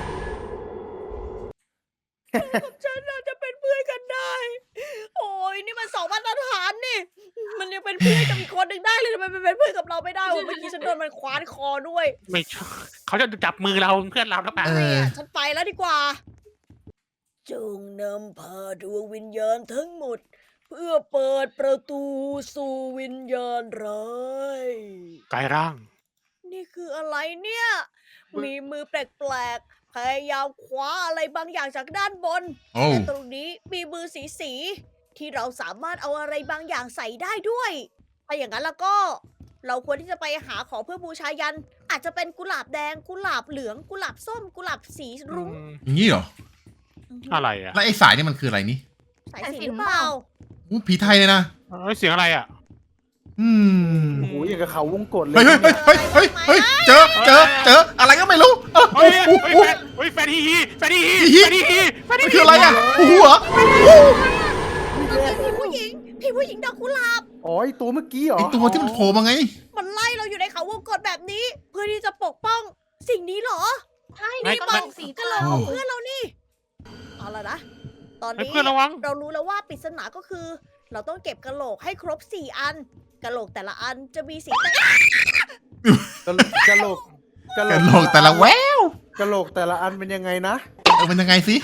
Speaker 1: กับฉันน่าจะเป็นเพื่อนกันได้ โอ้ยนี่มันสองมาตรฐานนี่ มันยังเป็นเพื่อนกับอีกคนหนึ่งได้เลยทำไมมันเป็นเพื่อนกับเราไม่ได้วะเมื่อกี้ฉันโดนมันคว้านคอด้วย
Speaker 4: ไม่ใช่เขาจะจับมือเราเพื่อนเราแล้วป่ะ
Speaker 2: เอ
Speaker 1: ไม่
Speaker 2: อ
Speaker 1: อะฉันไปแล้วดีกว่า จงนำพาดวงวิญญาณทั้งหมด เพื่อเปิดประตูสู่วิญญาณร้าย
Speaker 4: กายร่าง
Speaker 1: นี่คืออะไรเนี่ย มีมือแปลกๆ พยายามคว้าอะไรบางอย่างจากด้านบน
Speaker 2: โอ้
Speaker 1: และตรงนี้มีมือสีสีๆที่เราสามารถเอาอะไรบางอย่างใส่ได้ด้วย ถ้าอย่างนั้นแล้วก็ เราควรที่จะไปหาของเพื่อบูชายัน อาจจะเป็นกุหลาบแดง กุหลาบเหลือง กุหลาบส้ม กุหลาบสีรุ้ง
Speaker 2: อย่างนี้เหรอ
Speaker 1: อ
Speaker 4: อะไรอ่ะ
Speaker 2: แล้วไอ้สายนี่มันคืออะไรนี่
Speaker 1: สายสิญจน์หรือเปล่า
Speaker 2: อู้ผีไทยเลยนะ
Speaker 4: เฮ้ยเสียงอะไรอ่ะ
Speaker 2: อืม
Speaker 3: โอ้โหอย่างกับเขาวงกตเลย
Speaker 2: เฮ้ยเฮ้ย
Speaker 3: เนี่ย
Speaker 2: เฮ้ยเฮ้ยเฮ้ยเจอเจอเจออะไรก็ไม่รู้เออ
Speaker 4: เฮ้ย
Speaker 2: อู้
Speaker 4: เฮ้ย
Speaker 2: อู้
Speaker 4: แฟนเฮ้ยแฟนฮีฮีแฟนฮีฮี
Speaker 2: ฮีฮี
Speaker 4: แฟนฮีฮีแฟนฮี
Speaker 2: มัน
Speaker 4: ฮี
Speaker 2: คืออะไรอ่ะอู้หูเหรอ
Speaker 1: พี่ผู้หญิงพี่ผู้หญิงดอกกุหลาบ
Speaker 3: อ๋อไอตัวเมื่อกี้เหรอ
Speaker 2: ไอตัวที่มันโผล่มาไง
Speaker 1: มันไล่เราอยู่ในเขาวงกตแบบนี้ เพื่อที่จะปกป้องสิ่งนี้เหรอ
Speaker 5: ใช่
Speaker 1: นี่
Speaker 5: กระ
Speaker 1: มั
Speaker 5: โหล
Speaker 1: น
Speaker 5: กสี
Speaker 1: กระโหล
Speaker 5: เทาก
Speaker 1: ของเพื่อนเรานี่ เอาละนะ ตอน
Speaker 4: เฮ้ย
Speaker 1: นี้
Speaker 4: เพื่อนระวัง
Speaker 1: เรารู้แล้วว่าปริศนาก็คือ เราต้องเก็บกระโหลกให้ครบสี่อันกระโหลกแต่ละอันจะมีสีแตก
Speaker 3: กะกะโหลก
Speaker 2: กระโหลกแต่ละแวว
Speaker 3: กะโหลกแต่ละอันเป็นยังไงนะ
Speaker 2: เออมันยังไงสิ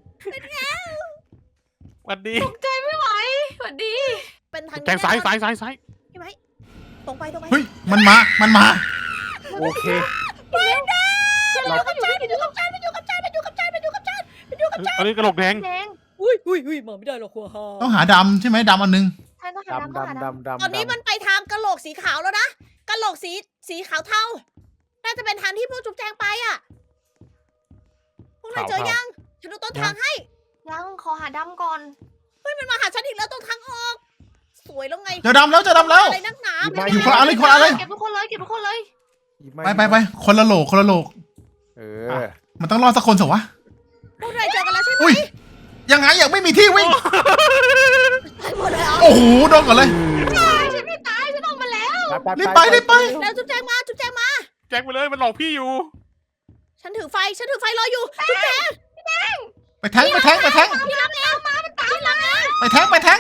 Speaker 4: สวัสดี
Speaker 5: ตกใจไม่ไหวสวัสดี
Speaker 1: เป็นทาง
Speaker 4: แทงซ้ายซ้ายซ้ายซ้าย
Speaker 1: ใช่ไหมตรงไปตรงไป
Speaker 2: เฮ้ยมันมามันมา
Speaker 3: โอเค
Speaker 1: ไม่ได้
Speaker 3: เรา
Speaker 1: มันอยู่กับฉันมันอยู่กับฉันมันอยู่กับฉันมันอยู่กับฉันมันอยู่กับฉันมันอยู่กับฉัน
Speaker 4: อันนี้กระโหลกแดง
Speaker 5: แดง
Speaker 1: อุ้ยอุ้ยอุ้ยมาไม่ได้หรอกหัวฮา
Speaker 2: ต้องหาดำใช่ไหมดำอันนึง
Speaker 5: ใช่ต้องหา
Speaker 3: ดำ
Speaker 5: ดำต้องหา
Speaker 3: ดำ
Speaker 5: ดำ
Speaker 3: ดำดำ
Speaker 1: ตอนนี้มันไปทางกระโหลกสีขาวแล้วนะกระโหลกสีสีขาวเทาน่าจะเป็นทางที่พวกจุ๊บแจงไปอ่ะพวกนายเจอยังฉันดูต้นทางให้
Speaker 5: ยังขอหาดำก่อน
Speaker 1: เฮ้ยมันมาหาฉันอีกแล้วตรงทางออก สวยแล้วไง
Speaker 2: เจอดำแล้วเจอดำแล้ว
Speaker 1: อะไรนักหนา
Speaker 2: อยู่คนละอันเลยคนละอันเลย
Speaker 5: เก็บทุกคนเลยเก็บทุกคนเลย
Speaker 3: หยิบม่
Speaker 2: ไปไปไปคนละโหลกคนละโหลก
Speaker 3: เออ
Speaker 2: มันต้องรอดสักคนสิวะ
Speaker 1: พวกนายเจอกันแล้วใช่ไหม
Speaker 2: อุ้ยยังไงยังไม่มีที่วิ่ง
Speaker 1: ไปหมดเลยเหรอ
Speaker 2: โอ้โหโดนก่อนเลย
Speaker 5: ฉันไม่ตายฉันออกมาแล้ว
Speaker 2: รีบไปรีบไป
Speaker 1: แล้วจุ๊บแจงมาจุ๊บแจงมา
Speaker 4: แจ็คไปเลยมันหลอกพี่อยู่
Speaker 1: ฉันถือไฟฉันถือไฟรออยู่จุ๊บแจง
Speaker 2: ไปแทงไปแทงไปแทง
Speaker 1: พี่รับเองมามันตามเราเอง
Speaker 2: ไปแทงไปแทง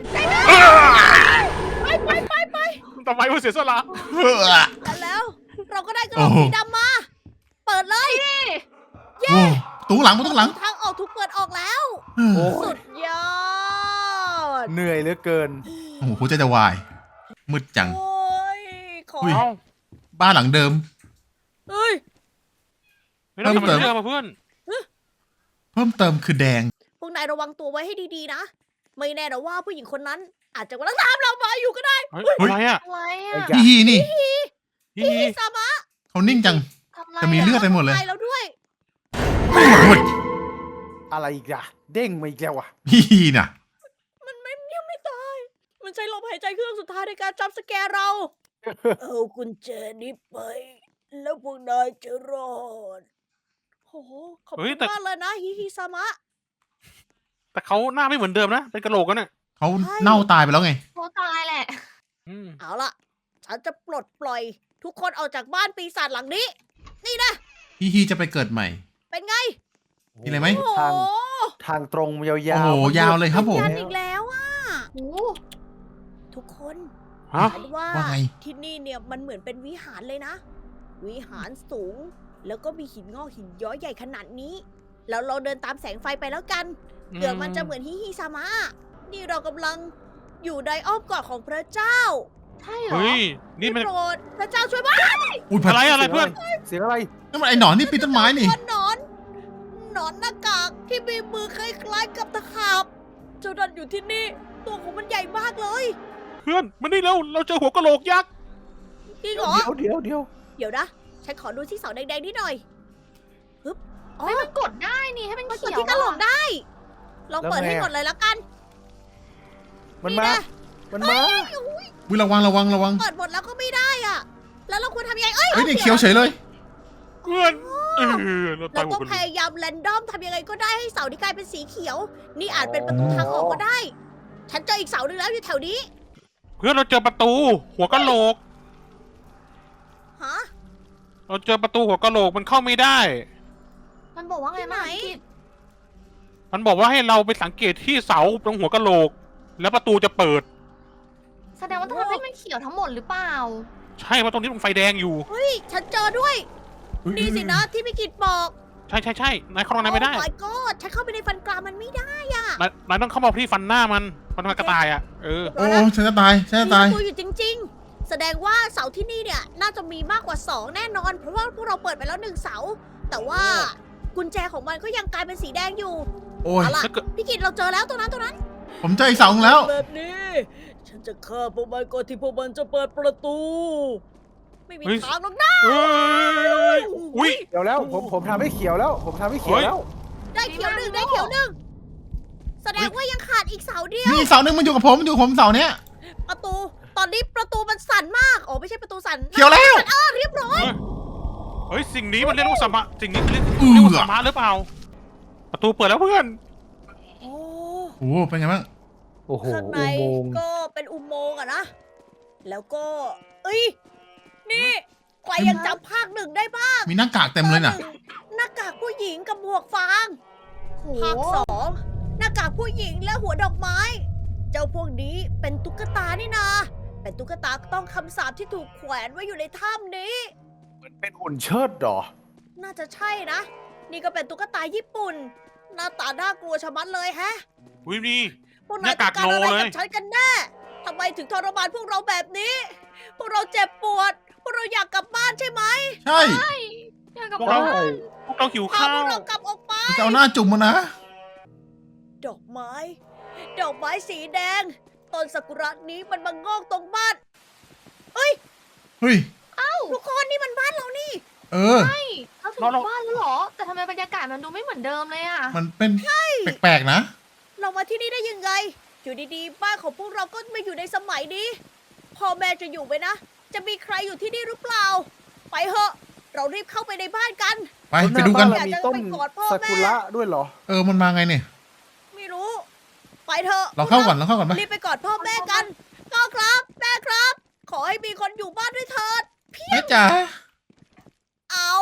Speaker 1: ไปไปไปไป
Speaker 4: ทำไมมันเสียสละ
Speaker 2: เฮ้อ
Speaker 1: กันแล้ว เราก็ได้กระโหล
Speaker 2: โอ้
Speaker 1: ก
Speaker 2: โห
Speaker 1: สีดำมา เปิดเลย
Speaker 2: โอ้ตู้หลังตู้หลัง
Speaker 1: ทางออกถูกเปิดออกแล้ว
Speaker 3: โอ้
Speaker 1: สุ
Speaker 3: ย
Speaker 1: ดยอด
Speaker 3: เหนื่อยเหลือเกิน
Speaker 2: โอ้โหหัวใจจะวายมืดจัง
Speaker 1: โอ้ยขอ
Speaker 2: อุ้ย
Speaker 4: เอ้า
Speaker 2: บ้านหลังเดิม
Speaker 1: เฮ้ย
Speaker 4: ไม่ต้อง
Speaker 2: เพิ่มเติม
Speaker 4: ทำเรื่องมาเพื่อน
Speaker 2: เพิ่มเติมคือแดง
Speaker 1: พวกนายระวังตัวไว้ให้ดีๆนะ ไม่แน่นะว่าผู้หญิงคนนั้น อาจจะกำลังตามเรามาอยู่ก็ได้
Speaker 4: เฮ้ย
Speaker 2: เฮ้ย
Speaker 4: อะไรอ่ะ
Speaker 5: อะไร
Speaker 3: ไอ้
Speaker 5: อ่ะ
Speaker 3: ยะ
Speaker 2: ฮีฮีนี่
Speaker 4: ฮีฮี
Speaker 1: พี่ซามะ
Speaker 2: เขานิ่งจัง
Speaker 5: ทำอะไร
Speaker 2: จะมีเลือดไปหมดเลย
Speaker 1: ตายแล้วด้วย
Speaker 3: อะไรอีกอะเด้งมาอีกแล้วอะ
Speaker 2: ฮีฮีน่ะ
Speaker 1: มันไม่ยังไม่ตาย มันใช้ลมหายใจเครื่องสุดท้ายในการจับสแกร์เรา เอากุญแจนี้ไป แล้วพวกนายจะรอดโอ้โหขอบคุณมากเลยนะฮิฮิซามะ
Speaker 4: แต่เขาหน้าไม่เหมือนเดิมนะ เป็นกระโหลกกันน่ะ
Speaker 2: เขาเน่าตายไปแล้วไง
Speaker 5: โคตายแหละ
Speaker 4: อืม
Speaker 1: เอาล่ะ ฉันจะปลดปล่อยทุกคนออกจากบ้านปีศาจหลังนี้ นี่นะ
Speaker 2: ฮีฮีจะไปเกิดใหม่
Speaker 1: เป็นไง
Speaker 2: มีอะไรไหม
Speaker 1: โอ้โห
Speaker 3: ทางทางตรงยาวๆ
Speaker 2: โอ้โหยาวเลยครับผม
Speaker 1: ยันอีกแล้วอ่ะ
Speaker 5: โอ้
Speaker 1: ทุกคน
Speaker 4: ฮะ
Speaker 1: ฉันว่า
Speaker 2: ว่าไง
Speaker 1: ที่นี่เนี่ยมันเหมือนเป็นวิหารเลยนะ วิหารสูง แล้วก็มีหินงอกหินย้อยใหญ่ขนาดนี้ แล้วเราเดินตามแสงไฟไปแล้วกันเผื่อมันจะเหมือนฮิฮิซามะ นี่เรากำลังอยู่ในอ้อมกอดของพระเจ้า
Speaker 5: ใช่เหรอ
Speaker 4: เฮ้ย นี่มัน
Speaker 1: โปรดพระเจ้าช่วยบ้า
Speaker 2: อุ้ย
Speaker 4: อะไรอะไรเพื่อน
Speaker 3: เสียงอะไร
Speaker 2: นั่นมันไอ้หนอนนี่ปีนต้นไม้นี่
Speaker 1: หนอน หนอนหน้ากากที่มีมือคล้ายๆกับตะขาบ เจ้าดันอยู่ที่นี่ ตัวของมันใหญ่มากเลย
Speaker 4: เพื่อนมานี่เร็วเราเจอหัวกระโหลกยักษ์
Speaker 1: จริงเหรอ
Speaker 3: เดี๋ยวเดี๋ยวเดี๋ยว
Speaker 1: เดี๋ยวนะ ฉันขอดูที่เสาแดงๆนิดหน่อยฮึบอ๋อ
Speaker 5: ให้มันกดได้นี่ให้มัน
Speaker 1: มันก
Speaker 5: เขี
Speaker 1: ด
Speaker 5: ยว
Speaker 1: ที่กระโหลก
Speaker 5: อะ
Speaker 1: ได้ ลองเปิดให้หมดเลยแล้วกัน
Speaker 3: มันมา
Speaker 1: นี่นะ
Speaker 3: มันมา
Speaker 2: วิระวังระวังระวัง
Speaker 1: เปิดหมดแล้วก็ไม่ได้อ่ะ แล้วเราควรทำยังไง เอ้ย
Speaker 2: เฮ้ยนี่เคี้ยวเฉยเลย
Speaker 4: เพื่อนเออเราตา
Speaker 1: เรา
Speaker 4: ยหัว
Speaker 1: ต้อง
Speaker 4: กระโห
Speaker 1: พ
Speaker 4: ลก
Speaker 1: ยายามแรนดอมทำยังไงก็ได้ให้เสาที่กลายเป็นสีเขียว นี่อาจเป็นประตูทางออกก็ได้ ฉันเจออีกเสาหนึ่งแล้วอยู่แถวนี้
Speaker 4: เพื่อนเราเจอประตู หัวกระโหลก
Speaker 1: ฮะ
Speaker 4: เราเจอประตูหัวกะโหลกมันเข้าไม่ได้
Speaker 5: มันบอกว่าไง
Speaker 1: ที่ไหน
Speaker 5: มากิจ
Speaker 4: มันบอกว่าให้เราไปสังเกตที่เสาตรงหัวกะโหลก แล้วประตูจะเปิด
Speaker 5: แสดงว่าต้องทำให้มันเขียวทั้งหมดหรือเปล่า
Speaker 4: ใช่เพราะตรงนี้มันไฟแดงอยู่
Speaker 1: เฮ้ย ฉันเจอด้วย นี่สินะที่พี่กิตบอก
Speaker 4: ใช่ใช่ใช่นายเข้าตรงนั้นไม่ได้
Speaker 1: โอ้ my god ฉันเข้าไปในฟันกรามมันไม่ได้อะ
Speaker 4: นายนายต้องเข้ามาที่ฟันหน้ามันฟันกระต่ายอ่ะ เออ
Speaker 2: โอ้โอ้ฉันจะตายฉันจะ
Speaker 1: มี
Speaker 2: ตาย
Speaker 1: ประตูอยู่จริง ๆ แสดงว่าเสาที่นี่เนี่ยน่าจะมีมากกว่าสองแน่นอน เพราะว่าพวกเราเปิดไปแล้วหนึ่งเสา แต่ว่ากุญแจของมันก็ยังกลายเป็นสีแดงอยู่
Speaker 2: โอ้ย
Speaker 1: เอาล่ะ
Speaker 4: ถ้าเกิด
Speaker 1: พี่กิตเราเจอแล้วตรงนั้นตรงนั้น
Speaker 2: ผมเจออีกเสาหนึ่งแล้ว
Speaker 1: แบบนี้ ฉันจะฆ่าพวกมันก่อนที่พวกมันจะเปิดประตู ไม่มีทางหรอกนะ
Speaker 4: เอ้ยอุ้ย
Speaker 3: เดี๋ยวแล้วผมผมทำให้เขียวแล้ว ผมทำให้เขียวแล้ว
Speaker 1: ได้เขียวหนึ่งได้เขียวหนึ่งแสดงว่ายังขาดอีกเสาเดียว
Speaker 2: มีอีกเสาหนึ่งมันอยู่กับผมมันอยู่กับผมเสาเนี้ย
Speaker 1: ประตู ตอนนี้ประตูมันสั่นมากอ๋อไม่ใช่ประตูสั่น
Speaker 2: เขียวแล้ว
Speaker 1: อ้าเรียบร้อย
Speaker 4: เฮ้ยสิ่งนี้มันเรียกว่าสมะสิ่งนี้เรียก
Speaker 2: เอือ
Speaker 4: เรียกว่าสมะหรือเปล่า ประตูเปิดแล้วเพื่อน
Speaker 1: โอ้
Speaker 2: โอ้โหเป็นไงบ้าง
Speaker 3: โอ้โห
Speaker 1: ข้างใน
Speaker 3: อุโมงค์
Speaker 1: ก็เป็นอุโมงค์อะนะ แล้วก็ เอ้ย นี่ใครยังจำภาคหนึ่งได้บ้าง
Speaker 2: มีหน้ากากเต็มเลยน่ะ
Speaker 1: ภาคหงหน้ากากผู้หญิงกับหมวกฟาง
Speaker 5: โห
Speaker 1: ภาคสองหน้ากากผู้หญิงและหัวดอกไม้ เจ้าพวกนี้เป็นตุ๊กตานี่นา เป็นตุ๊กตาต้องคำสาปที่ถูกแขวนไว้อยู่ในถ้ำนี้
Speaker 3: เหมือนเป็นหุ่นเชิดเหรอ
Speaker 1: น่าจะใช่นะ นี่ก็เป็นตุ๊กตาญี่ปุ่น หน้าตาน่ากลัวชะมัดเลยแฮะ
Speaker 4: อุ้ยนี่
Speaker 1: พวกนาย
Speaker 4: หน้า
Speaker 1: ต้
Speaker 4: กา
Speaker 1: อก งการอะไร
Speaker 4: โนเลย
Speaker 1: กับฉันกันแน่ทำไมถึงทรมานพวกเราแบบนี้ พวกเราเจ็บปวด พวกเราอยากกลับบ้านใช่ไหม
Speaker 2: ใช่
Speaker 5: อยากกลับ
Speaker 4: พวกเรา
Speaker 5: บ้าน
Speaker 4: พวกเราหิว
Speaker 1: พา
Speaker 4: ข้า
Speaker 1: พว
Speaker 4: ว
Speaker 1: กเรากลับออกไป
Speaker 2: จะเอาหน้าจุ่มมานะ
Speaker 1: ดอกไม้ ดอกไม้สีแดง ต้นซากุระนี้มันมางอกตรงบ้าน
Speaker 2: เฮ้ย
Speaker 1: ทุกคนนี่มันบ้านเรานี่
Speaker 2: เออ
Speaker 5: ใช่เราถึง
Speaker 4: เราเรา
Speaker 5: บ้านแล้วเหรอ แต่ทำไมบรรยากาศมันดูไม่เหมือนเดิมเลยอ่ะ
Speaker 2: มันเป็นแปลกๆนะ
Speaker 1: เรามาที่นี่ได้ยังไง อยู่ดีๆ บ้านของพวกเราก็มาอยู่ในสมัยนี้ พ่อแม่จะอยู่ไหมนะ จะมีใครอยู่ที่นี่หรือเปล่า ไปเถอะ เรารีบเข้าไปในบ้านกัน
Speaker 2: ไปไปดูกัน
Speaker 3: แล้วหาบ้าเรามีต้น
Speaker 1: อยากจะไปกอดพ่อแม่
Speaker 3: ซากุระด้วยเหรอ
Speaker 2: เออมันมาไงเนี่ย
Speaker 1: ไม่รู้ ไปเถอะ
Speaker 2: เราเข้าก่อนเราเข้าก่อนไหม
Speaker 1: รีบไปกอดพ่อแม่กันพ่อครับ แม่ครับ ขอให้มีคนอยู่บ้านด้วยเถิด
Speaker 2: แม่จ๋า
Speaker 1: เอา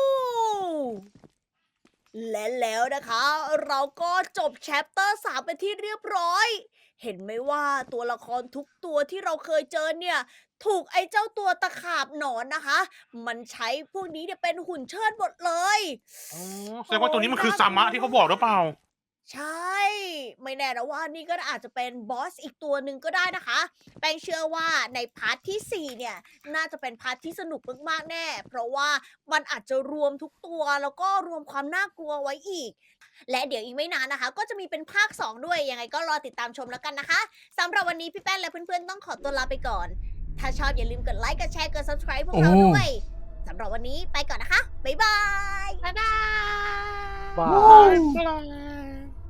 Speaker 1: และแล้วนะคะ เราก็จบแชปเตอร์สามเป็นที่เรียบร้อย เห็นไหมว่าตัวละครทุกตัวที่เราเคยเจอเนี่ย ถูกไอ้เจ้าตัวตะขาบหนอนนะคะ มันใช้พวกนี้เนี่ยเป็นหุ่นเชิดหมดเลย
Speaker 4: อ๋อแสดงว่าตัวนี้มันคือสามะที่เขาบอกหรือเปล่า
Speaker 1: ใช่ ไม่แน่นะว่านี่ก็อาจจะเป็นบอสอีกตัวหนึ่งก็ได้นะคะ แป้งเชื่อว่าในพาร์ทที่สี่เนี่ย น่าจะเป็นพาร์ทที่สนุกมากๆแน่ เพราะว่ามันอาจจะรวมทุกตัวแล้วก็รวมความน่ากลัวไว้อีก และเดี๋ยวอีกไม่นานนะคะ ก็จะมีเป็นภาคสองด้วย ยังไงก็รอติดตามชมแล้วกันนะคะสำหรับวันนี้พี่แป้งและเพื่อนๆต้องขอตัวลาไปก่อน ถ้าชอบอย่าลืมกดไลค์ กดแชร์ กด subscribe พวกเราด้วยสำหรับวันนี้ไปก่อนนะคะ บ๊ายบาย
Speaker 5: บ๊ายบาย
Speaker 3: บ้า
Speaker 4: บ๊ายบาย